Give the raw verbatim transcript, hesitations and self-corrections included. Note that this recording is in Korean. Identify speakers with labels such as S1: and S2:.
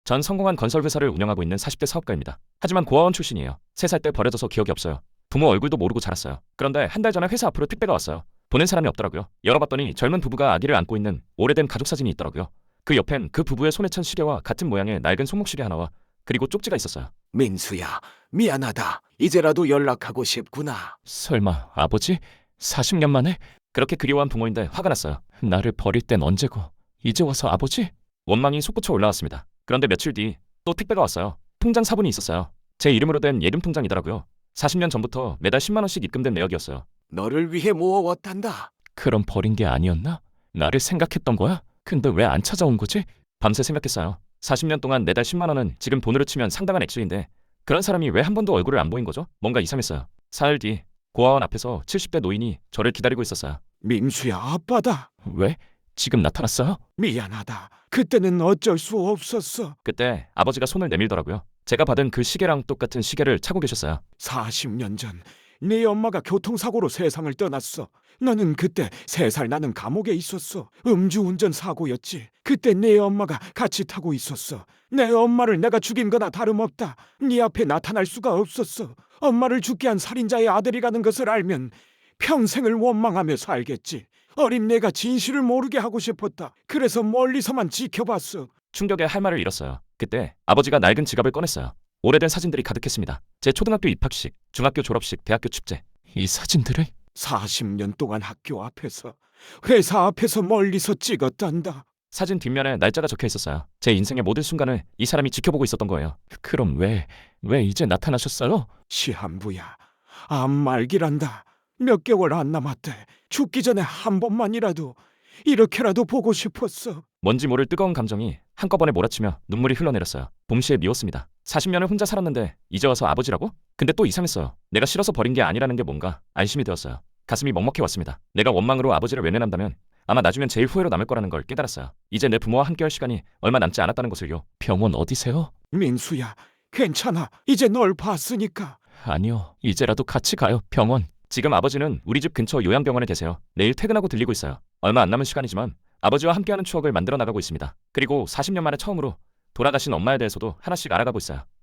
S1: 전 성공한 건설회사를 운영하고 있는 사십 대 사업가입니다. 하지만 고아원 출신이에요. 세 살 때 버려져서 기억이 없어요. 부모 얼굴도 모르고 자랐어요. 그런데 한 달 전에 회사 앞으로 택배가 왔어요. 보낸 사람이 없더라고요. 열어봤더니 젊은 부부가 아기를 안고 있는 오래된 가족 사진이 있더라고요. 그 옆엔 그 부부의 손에 찬 시계와 같은 모양의 낡은 손목시계 하나와 그리고 쪽지가 있었어요.
S2: 민수야, 미안하다. 이제라도 연락하고 싶구나.
S1: 설마 아버지? 사십 년 만에? 그렇게 그리워한 부모인데 화가 났어요. 나를 버릴 땐 언제고 이제 와서 아버지? 원망이 솟구쳐 올라왔습니다. 그런데 며칠 뒤 또 택배가 왔어요. 통장 사본이 있었어요. 제 이름으로 된 예금 통장이더라고요. 사십 년 전부터 매달 십만 원씩 입금된 내역이었어요.
S2: 너를 위해 모아왔단다.
S1: 그럼 버린 게 아니었나? 나를 생각했던 거야? 근데 왜 안 찾아온 거지? 밤새 생각했어요. 사십 년 동안 매달 십만 원은 지금 돈으로 치면 상당한 액수인데 그런 사람이 왜 한 번도 얼굴을 안 보인 거죠? 뭔가 이상했어요. 사흘 뒤 고아원 앞에서 칠십 대 노인이 저를 기다리고 있었어요.
S2: 민수야, 아빠다.
S1: 왜? 지금 나타났어요?
S2: 미안하다. 그때는 어쩔 수 없었어.
S1: 그때 아버지가 손을 내밀더라고요. 제가 받은 그 시계랑 똑같은 시계를 차고 계셨어요.
S2: 사십 년 전 네 엄마가 교통사고로 세상을 떠났어. 너는 그때 세 살 나는 감옥에 있었어. 음주운전 사고였지. 그때 네 엄마가 같이 타고 있었어. 내 엄마를 내가 죽인 거나 다름없다. 네 앞에 나타날 수가 없었어. 엄마를 죽게 한 살인자의 아들이라는 것을 알면 평생을 원망하며 살겠지. 어린 내가 진실을 모르게 하고 싶었다. 그래서 멀리서만 지켜봤어.
S1: 충격에 할 말을 잃었어요. 그때 아버지가 낡은 지갑을 꺼냈어요. 오래된 사진들이 가득했습니다. 제 초등학교 입학식, 중학교 졸업식, 대학교 축제. 이 사진들을?
S2: 사십 년 동안 학교 앞에서, 회사 앞에서 멀리서 찍었단다.
S1: 사진 뒷면에 날짜가 적혀 있었어요. 제 인생의 모든 순간을 이 사람이 지켜보고 있었던 거예요. 그럼 왜, 왜 이제 나타나셨어요?
S2: 시한부야, 암 말기란다. 몇 개월 안 남았대. 죽기 전에 한 번만이라도 이렇게라도 보고 싶었어.
S1: 뭔지 모를 뜨거운 감정이 한꺼번에 몰아치며 눈물이 흘러내렸어요. 동시에 미웠습니다. 사십 년을 혼자 살았는데 이제 와서 아버지라고? 근데 또 이상했어요. 내가 싫어서 버린 게 아니라는 게 뭔가 안심이 되었어요. 가슴이 먹먹해 왔습니다. 내가 원망으로 아버지를 외면한다면 아마 나중엔 제일 후회로 남을 거라는 걸 깨달았어요. 이제 내 부모와 함께할 시간이 얼마 남지 않았다는 것을요. 병원 어디세요?
S2: 민수야, 괜찮아. 이제 널 봤으니까.
S1: 아니요. 이제라도 같이 가요. 병원. 지금 아버지는 우리 집 근처 요양병원에 계세요. 내일 퇴근하고 들리고 있어요. 얼마 안 남은 시간이지만 아버지와 함께하는 추억을 만들어 나가고 있습니다. 그리고 사십 년 만에 처음으로 돌아가신 엄마에 대해서도 하나씩 알아가고 있어요.